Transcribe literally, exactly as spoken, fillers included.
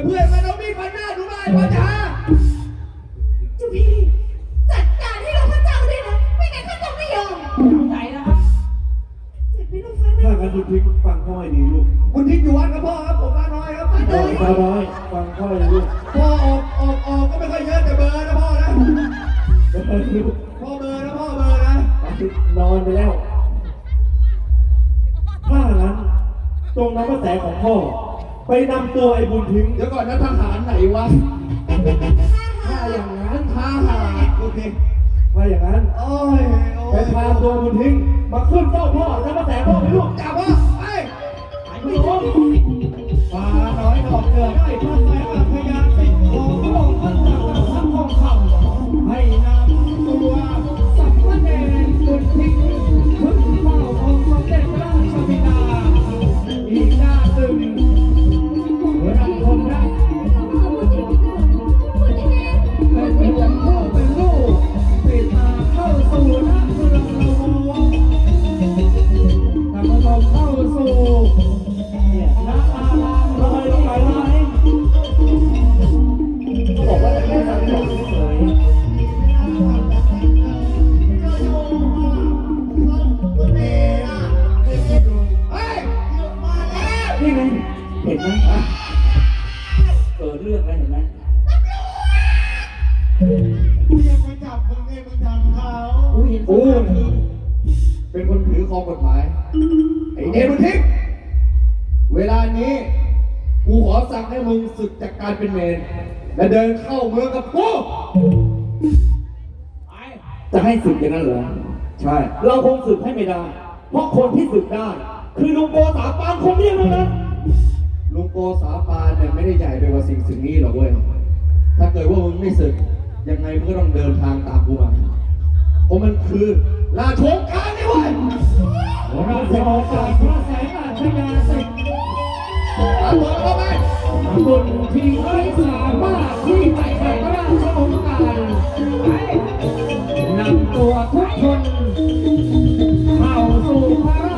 เพื่อนมันเอามีดฟันหน้าดูบ้านพ่อจ๋าเจ้าพี่จัดการให้เราพระเจ้าด้วยนะไม่งั้นข้าจะไม่ยอมใจนะครับเจ็บไม่ต้องฟันนะถ้างั้นคุณทิ้งฟังพ่อให้ดีลูกคุณทิ้งอยู่วัดกับพ่อครับผมมาน้อยครับมาน้อยฟังน้อยฟังพ่อให้ดีลูกพ่อออกออกออกก็ไม่ค่อยเยอะแต่เบอร์นะพ่อนะเออลูกพ่อเบอร์นะพ่อเบอร์นะนอนไปแล้วถ้างั้นจงนำกระแสของพ่อไปนำตัวไอ้บุญทิ้งเดี๋ยวก่อนนะทหารไหนวะถ้าอย่างนั้นทหารโอเคถ้าอย่างนั้นโอ้ยไปพาตัวบุญทิ้งมาขึ้นเฝ้าพ่อนำกระแสพ่อไปลูกจับพ่อไปไปลูกฟ้าน้อยดอกเดือดให้พระแสงพยานติดของพระองค์ท่านจากทางทองคำให้นำตัวสัมภเนรบุญทิ้งขึ้นเฝ้าองค์สมเด็จพระราชบิดาอีกด้านหนึ่งรับคนรักเป็นเพื่อนพ่อเป็นลูกติดตาเข้าสู่นักเมืองละวงนำมาต้องเข้าสู่นักอาลามลอยไปไหนบอกว่าจะไม่สั่งสอนเฉยนี่ไงเห็นไหมเกิดเรื่องอะไรเห็นไหมเรียกมาจับมึงไงมึงทำเขาอุ้ยโอ้เป็นคนถือครองกฎหมายไอ้เนรบุญทิ้งเวลานี้กูขอสั่งให้มึงศึกจากการเป็นเมรและเดินเข้าเมืองกับกูจะให้ศึกอย่างนั้นเหรอใช่เราคงศึกให้ไม่ได้เพราะคนที่ศึกได้คือลุงโกสาปานคงเดียวเท่านั้นลุงโกสาปานเนี่ยไม่ได้ใหญ่ไปกว่าสิ่งสิ่งนี้หรอกเว้ยถ้าเกิดว่ามึงไม่ศึกยังไงมึงก็ต้องเดินทางตามกูมาเพราะมันคือราชวงศ์การนี่เว้ยราชวงศ์การพระแสงอาชญาสิทธิ์ตามตัวเข้าไปบุญที่ไม่สามารถที่จะแข่งราชวงศ์การนำตัวทุกคนเข้าสู่พระ